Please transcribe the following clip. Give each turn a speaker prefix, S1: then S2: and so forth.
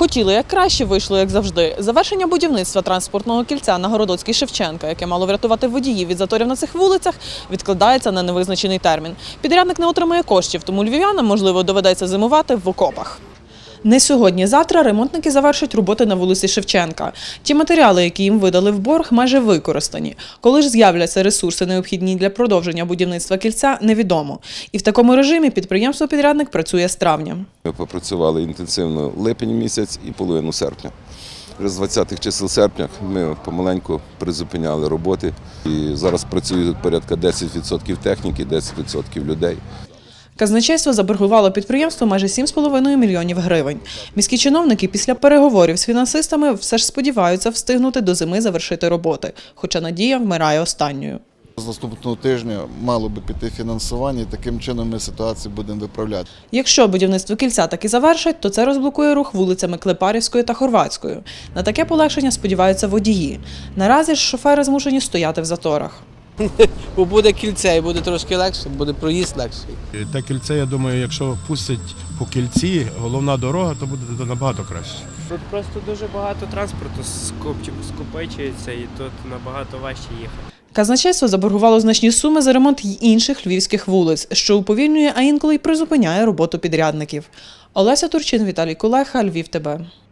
S1: Хотіли як краще, вийшло як завжди. Завершення будівництва транспортного кільця на Городоцькій Шевченка, яке мало врятувати водіїв від заторів на цих вулицях, відкладається на невизначений термін. Підрядник не отримає коштів, тому львів'янам, можливо, доведеться зимувати в окопах. Не сьогодні-завтра ремонтники завершать роботи на вулиці Шевченка. Ті матеріали, які їм видали в борг, майже використані. Коли ж з'являться ресурси, необхідні для продовження будівництва кільця, невідомо. І в такому режимі підприємство-підрядник працює з травня.
S2: Ми попрацювали інтенсивно липень місяць і половину серпня. Вже з 20-х чисел серпня ми помаленьку призупиняли роботи. І зараз працює тут порядка 10% техніки, 10% людей.
S1: Казначейство заборгувало підприємству майже 7,5 мільйонів гривень. Міські чиновники після переговорів з фінансистами все ж сподіваються встигнути до зими завершити роботи, хоча надія вмирає останньою.
S3: З наступного тижня мало би піти фінансування, і таким чином ми ситуацію будемо виправляти.
S1: Якщо будівництво кільця таки завершать, то це розблокує рух вулицями Клепарівською та Хорватською. На таке полегшення сподіваються водії. Наразі ж шофери змушені стояти в заторах.
S4: Бо буде кільце і буде трошки легше, буде проїзд легший.
S5: Те кільце, я думаю, якщо пустять по кільці, головна дорога, то буде набагато краще.
S6: Тут просто дуже багато транспорту скупичується і тут набагато важче їхати.
S1: Казначейство заборгувало значні суми за ремонт й інших львівських вулиць, що уповільнює, а інколи й призупиняє роботу підрядників. Олеся Турчин, Віталій Кулеха, Львів ТБ.